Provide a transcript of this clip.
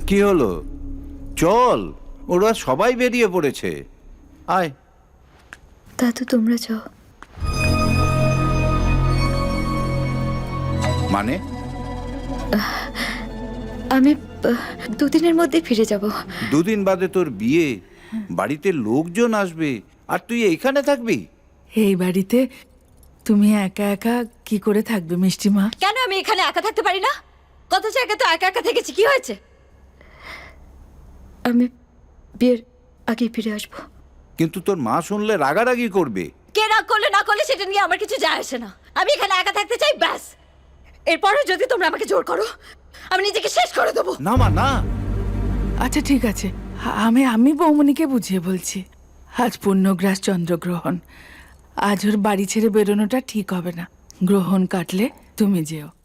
কি হলো? চল, ওরা সবাই বেরিয়ে পড়েছে। আয়। দাদু তোমরা যাও। মানে? আমি দুদিনের মধ্যে ফিরে যাব। দুদিন বাদে তোর বিয়ে, বাড়িতে লোকজন আসবে, আর তুই এইখানে থাকবি? এই বাড়িতে তুমি একা একা কি করে থাকবে মিষ্টিমা? কেন আমি এখানে একা থাকতে পারি না? কত জায়গায় তো একা একা থেকেছি, কি হয়েছে? আমি বিয়ের আগে ফিরে আসব। কিন্তু তোর মা শুনলে রাগারাগি করবে। কে রাগ করলে না করলে সেটা নিয়ে আমার কিছু যায় আসে না। আমি এখানে একা থাকতে চাই, ব্যাস। এরপরে যদি তোমরা আমাকে জোর করো, আমি নিজেকে শেষ করে দেবো। না মা, না। আচ্ছা ঠিক আছে, আমি বৌমনিকে বুঝিয়ে বলছি। আজ পূর্ণগ্রাস চন্দ্রগ্রহণ, আজ ওর বাড়ি ছেড়ে বেরোনোটা ঠিক হবে না। গ্রহণ কাটলে তুমি যেও।